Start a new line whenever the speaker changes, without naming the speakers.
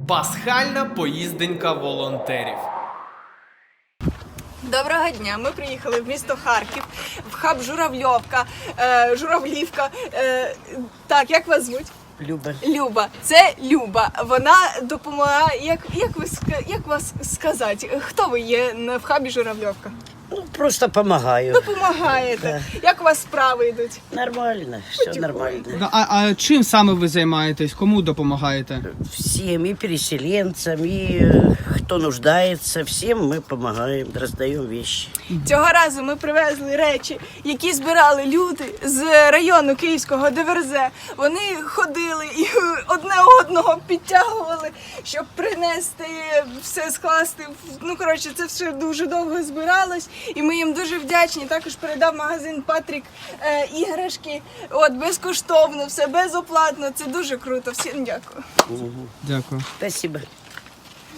Пасхальна поїзденька волонтерів.
Доброго дня! Ми приїхали в місто Харків, в хаб Журавлівка. Так, як вас звуть?
Люба.
Люба. Це Люба. Вона допомагає, як вас сказати, хто ви є в хабі Журавлівка?
Ну, просто помогаю.
Допомагаєте. Як у вас справи йдуть?
Нормально, все нормально.
А чим саме ви займаєтесь? Кому допомагаєте?
Всем, и переселенцам, и кто нуждается, всем мы помогаем, раздаем вещи.
Цього разу ми привезли речі, які збирали люди з району Київського ДВРЗ. Вони ходили і одне одного підтягували, щоб принести, все скласти. Ну, коротше, це все дуже довго збиралось. І ми їм дуже вдячні. Також передав магазин Патрік іграшки. От, безкоштовно, все безоплатно. Це дуже круто. Всім дякую.
Дякую.
Спасибо.